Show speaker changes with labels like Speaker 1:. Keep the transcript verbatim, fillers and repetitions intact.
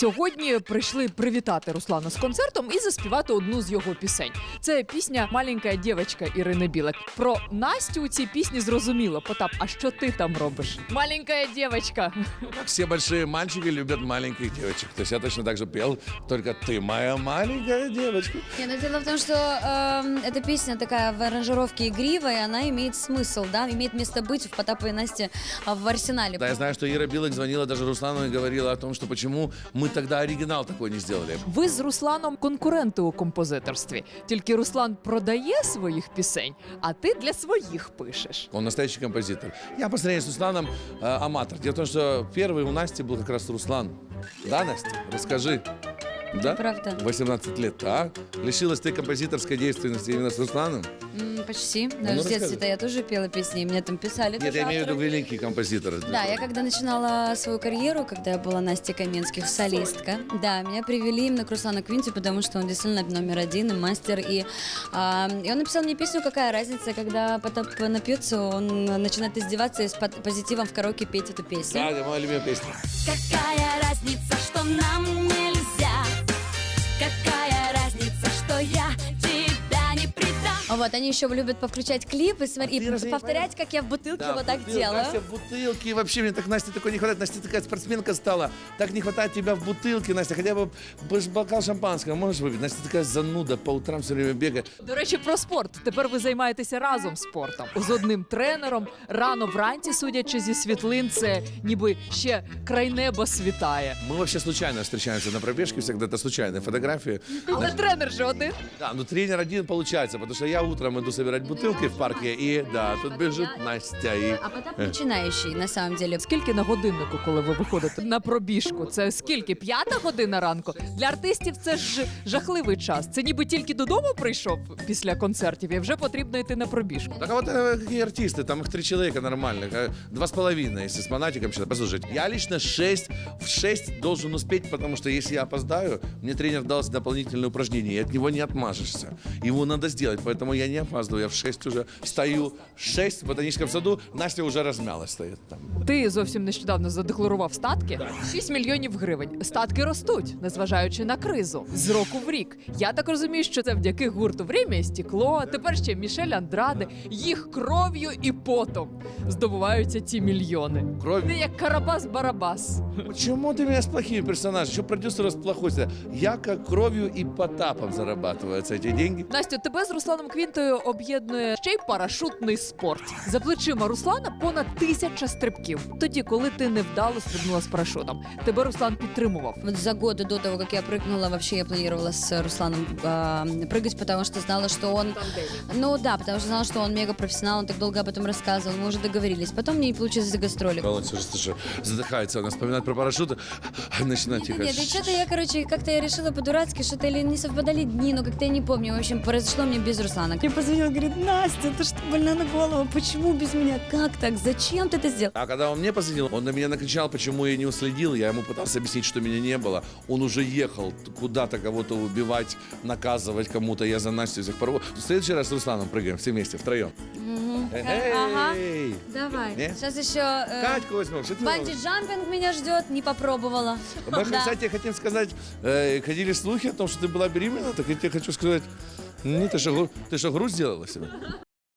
Speaker 1: Сьогодні прийшли привітати Руслана з концертом і заспівати одну з його пісень. Це пісня «Маленька дівчинка» Ірини Білик. Про Настю у цій пісні зрозуміло. Потап, а що ти там робиш? Маленька дівчинка.
Speaker 2: Как все большие мальчики любят маленьких девочек. То есть я точно так же пел, только ты моя маленькая девочка.
Speaker 3: Не, ну дело в том, что э, эта песня такая в аранжировке игривая, она имеет смысл, да, имеет место быть в Потапа и Насте а, в арсенале.
Speaker 2: Да, я знаю, что Ира Билык звонила даже Руслану и говорила о том, что почему мы тогда оригинал такой не сделали.
Speaker 1: Ви з Русланом конкуренти у композиторстві. Тільки Руслан продає своїх пісень, а ти для своїх пишеш.
Speaker 2: Он настоящий композитор. Я по сравнению с Русланом э, аматор. Дело в том, что первый у Насти был как раз Руслан. Да, Настя? Расскажи. Да?
Speaker 3: Правда.
Speaker 2: восемнадцать лет, а? Лишилась ты композиторской действенности именно с Русланом?
Speaker 3: М, почти.
Speaker 2: ну
Speaker 3: Даже в
Speaker 2: расскажи.
Speaker 3: детстве-то я тоже пела песни, и мне там писали.
Speaker 2: Нет,
Speaker 3: тоже
Speaker 2: я имею в виду
Speaker 3: авторы.
Speaker 2: великий композитор.
Speaker 3: Да, я когда начинала свою карьеру, когда я была Настя Каменских, солистка, да, меня привели именно к Руслану Квинти, потому что он действительно номер один и мастер. И, а, и он написал мне песню «Какая разница», когда Потап напьется, он начинает издеваться и с по- позитивом в караоке петь эту песню.
Speaker 2: Да, это моя любимая песня.
Speaker 4: Какая разница, что нам нельзя? Какая разница, что я тебя не предам?
Speaker 3: Вот, они еще любят повключать клип и, смотри,
Speaker 2: ты
Speaker 3: и
Speaker 2: разве не
Speaker 3: повторять, как я в бутылке вот так
Speaker 2: бутылка,
Speaker 3: делаю.
Speaker 2: Настя в бутылке. И вообще мне так Насте такой не хватает. Настя такая спортсменка стала. Так не хватает тебя в бутылке, Настя. Хотя бы б- бокал шампанского можешь выпить? Настя такая зануда, по утрам все время бегает.
Speaker 1: До речі, про спорт. Тепер ви займаєтеся разом спортом. З одним тренером. Рано вранці, судячи зі світлин, це ніби ще край неба світає.
Speaker 2: Мы вообще случайно встречаемся на пробежке, всегда это случайные фотографии.
Speaker 1: Але тренер же один.
Speaker 2: Да, но тренер один получается, потому что я утром иду собирать бутылки в парке, и да, тут бежит Настя. И...
Speaker 3: А Потап начинающий, на самом деле.
Speaker 1: Скільки на годиннику, коли ви виходите на пробіжку? Це скільки? П'ята година ранку? Для артистів це ж жахливий час. Це ніби тільки додому прийшов після концертів і вже потрібно йти на пробіжку.
Speaker 2: Так а вот э, какие артисты, там их три человека нормальных, э, два с половиной, если с монатиком считать. Послушайте, я лично шесть, в шесть должен успеть, потому что если я опоздаю, мне тренер дал дополнительное упражнение, и от него не отмажешься. Его надо сделать, поэтому я не опаздываю, я в шесть уже встаю. В шесть в ботаническом саду, Настя уже размялась стоит там.
Speaker 1: Ти зовсім нещодавно задекларував статки. шість мільйонів гривень. Статки ростуть, незважаючи на кризу. З року в рік. Я так розумію, що це завдяки гурту «Время і стекло», тепер ще Мішель Андраде. Їх кров'ю і потом здобуваються ці мільйони.
Speaker 2: Кровь.
Speaker 1: Ти як Карабас-Барабас.
Speaker 2: Почему ты меня с плохими персонажами? Что продюсер с плохой? Я как кровью и Потапом зарабатываются эти деньги.
Speaker 1: Настю, тебе з Русланом Квінтою об'єднує ще й парашутний спорт. За плечима Руслана понад тисяча стрибків. Тоді, коли ти невдало стрибнула з парашутом. Тебе Руслан підтримував.
Speaker 3: Вот за годы до того, как я прыгнула, вообще я планировала с Русланом а, прыгать, потому что знала, что он... Ну да, потому что знала, что он мега профессионал, он так долго об этом рассказывал, мы уже договорились. Потом мне не получилось за гастроли.
Speaker 2: Володя уже слушай, задыхается, она вспоминает про парашюты, начинает тихо.
Speaker 3: Нет, и что-то я, короче, как-то я решила по-дурацки, что-то или не совпадали дни, но как-то я не помню. В общем, произошло мне без Руслана. Мне позвонил, говорит: Настя, ты что, больна на голову? Почему без меня? Как так? Зачем ты это сделал?
Speaker 2: А когда он мне позвонил, он на меня накричал, почему я не уследил. Я ему пытался объяснить, что меня не было. Он уже ехал куда-то кого-то убивать, наказывать кому-то. Я за Настю всех порву. В следующий раз с Русланом прыгаем все вместе, втроем.
Speaker 3: Ага.
Speaker 2: Эй!
Speaker 3: Давай.
Speaker 2: Не?
Speaker 3: Сейчас еще... Э,
Speaker 2: Катьку возьмем. Что ты делаешь?
Speaker 3: банджи-джампинг меня ждет, не попробовала.
Speaker 2: Мы,
Speaker 3: Да.
Speaker 2: кстати, хотим сказать, э, ходили слухи о том, что ты была беременна, так я тебе хочу сказать, не, ты что, гру- ты что, грудь сделала себе?